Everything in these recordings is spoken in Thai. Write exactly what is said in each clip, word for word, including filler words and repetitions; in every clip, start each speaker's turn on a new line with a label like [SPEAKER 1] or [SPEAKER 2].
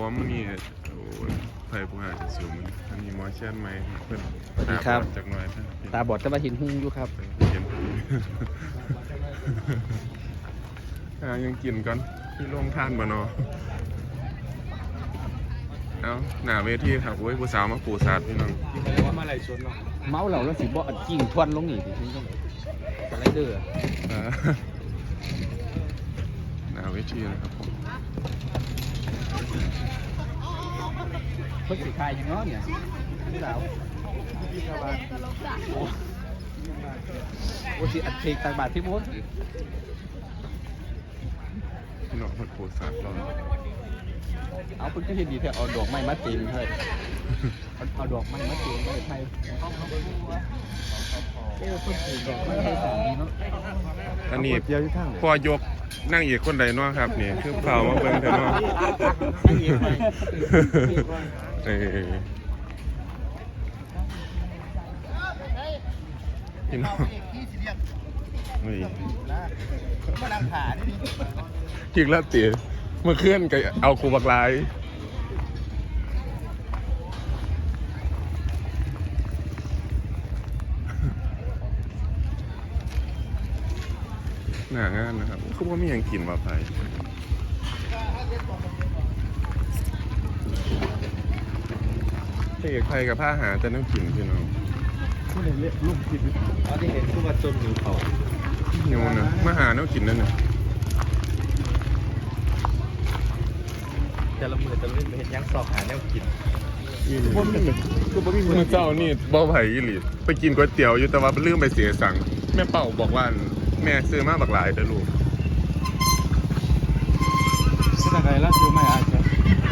[SPEAKER 1] มันนี่โอ้ยไฟผู้หาจะสูงมันอันนี้มอเชียนไหมเพื่อนตาบอดจากหน่อย
[SPEAKER 2] ตาบอดจะมาเห็นหุ้งอยู่ครับ
[SPEAKER 1] เห็นยังกินก่อนที่โรงทานบ่เนาะเอาหน้าเวทีครับโอ้ยผู้สาวมาปูศาสตร์พี่น้องว่ามาไหลชนเนาะ
[SPEAKER 2] เมาเหล่าแล้วสิบ่กิ่งทวนลงนี่ดิทิ้งต้องสไลเดอร์
[SPEAKER 1] หน้าเวทีนะครับผม
[SPEAKER 2] เพิ่งสิคายอย่างเนาะเนี่ยผู้สาวโอ้สิอัดเพลงต่างบาทที่ม้วน
[SPEAKER 1] พี่น้องคนปูศาสตร์เรา
[SPEAKER 2] เอาเพิ่งก็เห็นดีแท้เอาดอกไม้มาตีนเฮ้ยเอาดอกไม้มาตีนเลยไทยเออเพิ่งปลูกดอกไม้ให้สามีเนาะ
[SPEAKER 1] อันนี้พอยกนั่งอีกคนใดเนาะครับนี่คือเผามาเบิ่งเถอะเนาะเออพี่น้องนี่จิกแล้วตีเมื่อเคลื่อนก็เอาครูบักลายหน้างานนะครับเขาว่ามีอย่างกินมาไปเอกไทยกับผ้าหาจะนั่งกินพี่น้อง
[SPEAKER 2] ไม่ได้เละลูกกินอ๋อที่เห็นคือว่าจนหิวเขา
[SPEAKER 1] หิวนะมาหานั่งกินนั่นน่ะ
[SPEAKER 2] แต่ละมือจะเล่นเห็นยังสอบหาแนวกิน
[SPEAKER 1] คนคือบ่มีมือเจ้านี่บ่ไผ่อีหลีไปกินก๋วยเตี๋ยวอยู่แต่ว่าลืมไปเสียสั่งแม่เป่าบอกว่าแม่ซื้อมาบักหลายเด้อลูก
[SPEAKER 2] ซื้ออะไรแล้วซื้อไม่อายใช่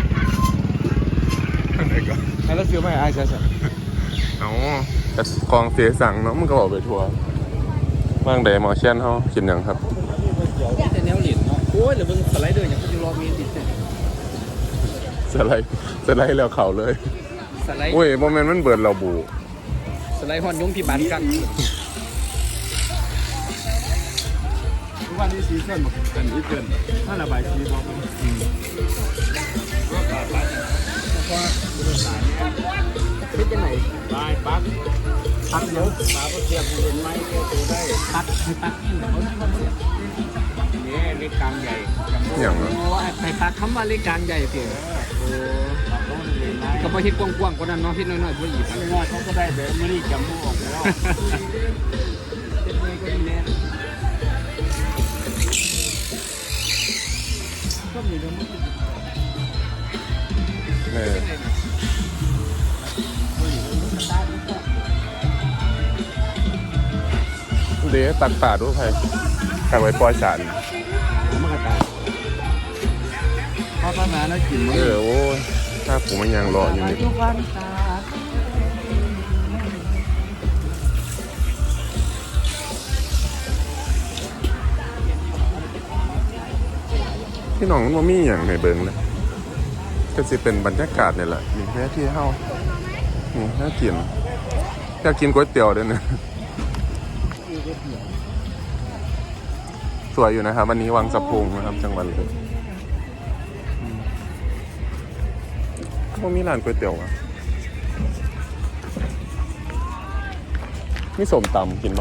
[SPEAKER 1] อะไรก็
[SPEAKER 2] แล้วซื้อไม่อายใช่ใช่
[SPEAKER 1] เอาแต่ของเสียสั่งเนาะมันก็บอกไปทัวร์ว่างใดหมอเช่นเขากินยังครับ
[SPEAKER 2] แต่แนวเหรียญเนาะโอ้ยหรือมึงสไลเดอร์อย่างก็จะรอมีติด
[SPEAKER 1] สไลด์สไลด์แล้วเข่าเลย
[SPEAKER 2] สไลด์
[SPEAKER 1] โอ้ยโมเมนต์มันเบิดเราบู
[SPEAKER 2] สไลด์ฮอนยงพี่บานกันทุกวันนี้ซีซั่นหมดกันนี้เกินถ้าระบายซีบอกเลยก็ขาดไปเพราะว่าบริษัทคิดยังไงลายปักปักเยอะปลาก็เทียบเห็นไหมเทียบตัวได้ปักปักนี่เขาที่มันเนี่ยนี่เล็กกลางใหญ่
[SPEAKER 1] อย่างไร
[SPEAKER 2] ไอ้ปักคำว่าเล็กกลางใหญ่เสียก็พอคิดกว้างๆกว่านั้นเนาะคิดน้อยๆพอหยิบน้อยๆเขาก็ได้แบบไม่ได้จำพวกออกแล้วก็มีเรื่อง
[SPEAKER 1] เออเดี๋ยวตักป่าด้วยใครตักไว้ปล่อยสาร
[SPEAKER 2] มันก็ตายพอประมาณนั้นกิน
[SPEAKER 1] เออโอ้ยถ้าผมมันยังรออยู่นี่พี่น้องมันมีอย่างในเบิงเลยก็จะเป็นบรรยากาศนี่แหละมีแค่ที่เฮ้านี่น่ากินอยากกินก๋วยเตี๋ยวด้วยนะสวยอยู่นะครับวันนี้วังสะพุงนะครับจังหวัดเลยพวกมีร้านก๋วยเตี๋ยวอ่ะมีส้มตำกินปะ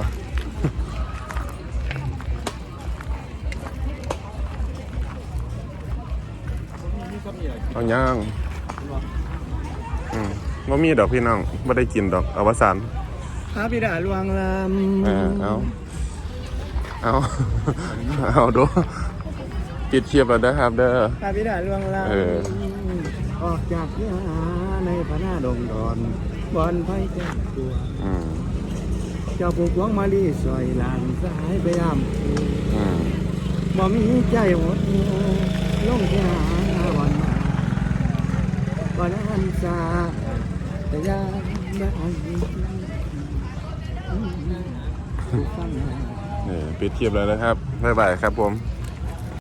[SPEAKER 1] เอาย่างอืมว่ามีดอกพี่น้องไม่ได้กินดอกอวสาน
[SPEAKER 2] พระบิดาลวงล
[SPEAKER 1] ำเออเอาเอาเอาดูปิดเชียบแล้วนะครับเด้อ
[SPEAKER 2] พระบิดาลวงลำออกจากยาในพระนาดงดอนบอนไผ่แก้ตัวเจ้าปลูกหวงมาลีสวยหลานสายไปยามบ่มีใจหดลงที่หาวันมาวันอันซาแต่ยังไม่อัน
[SPEAKER 1] นี่ปิดเทียบแล้วนะครับบ๊ายบายครับผม